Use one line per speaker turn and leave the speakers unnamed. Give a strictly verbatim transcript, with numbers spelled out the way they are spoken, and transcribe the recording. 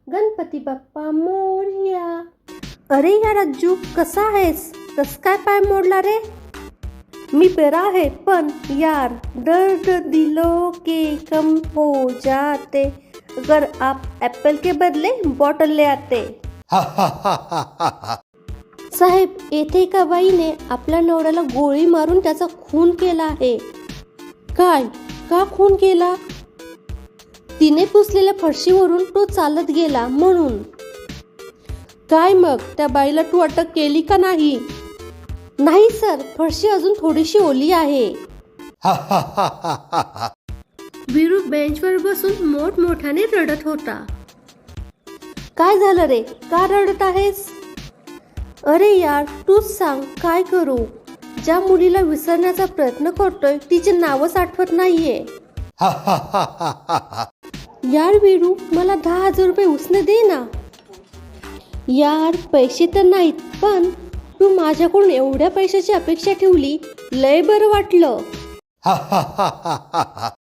गणपती बाप्पा मोरया. अरे या राजू, कसा आहेस? कस काय पाय मोडला रे? मी बरा आहे, पण यार दर्द दिलों के कम हो जाते अगर आप एप्पल के बदले बॉटल ले आते. साहेब, येथे एका बाईने आपल्या नवऱ्याला गोळी मारून त्याचा खून केला आहे. काय? का खून केला? तिने पुसलेल्या फरशीवरून तो चालत गेला म्हणून. काय मग त्या बाईला तू अटक केली का नाही? नाही सर, फरशी अजून थोडीशी ओली आहे. वीरू बेंचवर बसून मोठमोठ्याने रडत होता. काय झालं रे, का रडत आहेस? अरे यार, तूच सांग, काय करू? ज्या मुलीला विसरण्याचा प्रयत्न करतोय तिचे नावच आठवत नाहीये. यार वीरू, मला दहा हजार रुपये उसने दे ना. यार पैसे तर नाहीत, पण तू माझ्याकडून एवढ्या पैशाची अपेक्षा ठेवली, लय बरं वाटलं.